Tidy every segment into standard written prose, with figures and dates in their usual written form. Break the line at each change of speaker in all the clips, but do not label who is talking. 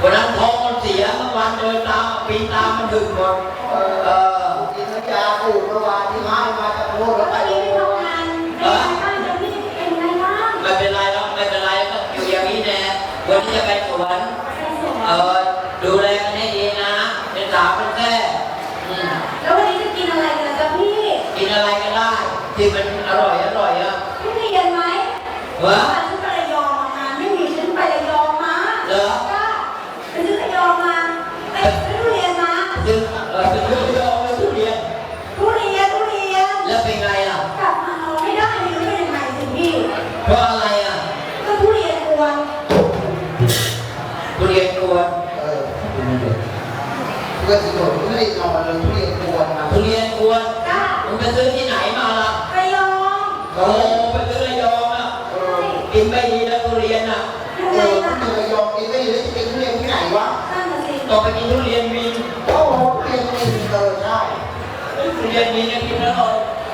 วันนั้นท้องมันเสียเมื่อวานเดินตามปีนตามมันดึงหมด
กินยาปูเมื่อวานที่ให้มาจากโน่นแล้วไปโรงพยาบาล
ไม่เป็นไรหรอกไม่เป็นไรก็อยู่อย่างนี้แน่วันนี้จะไปสวนดูแลกันให้ดีนะเป็นสาวเป็นแท้
แล้ววันนี้จะกินอะไรกันจ๊ะพี่
กินอะไรก็ได้ที่มันอร่อยอ่ะ
พี่เรียนไหมฉันไประยองมาไม่มีฉันไประยองมา
เหรอ
ไปซื้อระยองมาไปซื้อทุเรียนมา
ซื้อระยองเลยทุเรียน
แล้ว
เป็นไงล่ะ
กลับมาเอาไม่ได้ไม่รู้เป็นยังไงสิพี่
เพราะอะไรอ่ะ
ก็ทุเรียนกวน
ทุเรียนกวน
เพื่อนสิโดดไม่ได้นอนเลยทุเรียนกวน
ทุเรียนกวนมึงไปซื้อที่ไหนมาล่ะ
ระยอง
โอ้ไปซื้อระยองอ่ะกินไม่ดีแล้วทุเรียนอ่ะ
ทุเรียนระยองกินไม่ดีแล้วจะกินทุเรียนที่ไหนวะ
ต่อไปกินทุเรียนมี
โอ้ทุเรียนมีใช่
ทุเรียนมีเนี่ยกินแล้ว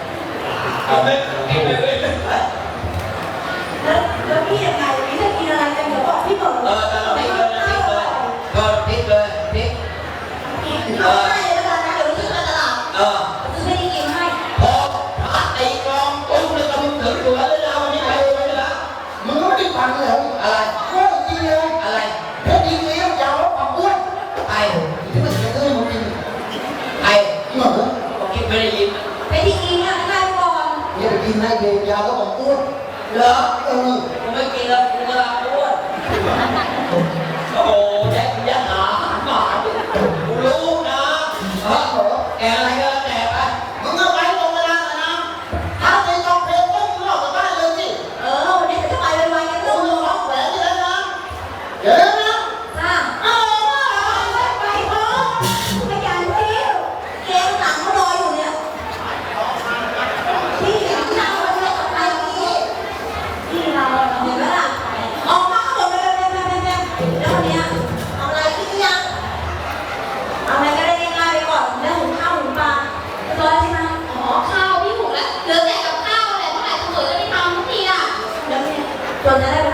แล้วพี่ยังไงพี่จะกินอะไรกันเดี๋ยวบอกพี่เปิด
ตลอดพริกเลยก็พริกเลยพริก
เอาให้แล้วกันนะเดี๋ยวพี่ซื้อมาตลาดซื้อไม่ได้กินให้
พอตีกลองตุ้มเลยก็มึงถือตัวแล้วเราวันนี้ไปเลยละ
มึงไม่ได้ฟังเลย
อะไร
ก็จริงเลย
อะไร
เพชรดีเลยยาวแล้วความอ้วน
ไอ้
ที่มันจะได้มึงกิน
ไอ้ผมคิดไม่ได้ยิน
ไปที่กินอ่ะใครก่อน
เนี่ยไปกินให้เดียวยาวแล้วความอ้วน
เหรอกูไม่กินแล้วกูจะอ้วนโอ้แจ็คยันหาหมากูรู้นะแกอะไรก็แกไป
มึงเอาไปตรงเวลานะถ้าในกองเพลงต้องมึงออกจากบ้านเลยสิ
วันนี้จะไปไวๆกัน
ต้
ลู
อง
ก
ร้องแหวนที่แล้วนะเดี๋ยวนะ
ไปพร้อมขยันซิเกงหลังเขารออยู่เนี่ยพี่นั่งมาเลยอะไรนี่พี่เราเห็นไหมล่ะออกมาหมดเลยแล้ววันนี้เอาอะไรกินยังเอาอะไรก็ได้ง่ายๆไปก่อนแล้วหุงข้าวหุงปลาตัวใช่ไหม
ข้าวพี่หุงแล้วเหลือแต่กับข้าวอะไรเมื่อไหร่ตำรวจจะไม่ทำทุกทีอ่ะ
เดี๋ยวเนี่ยจนจะได้ไป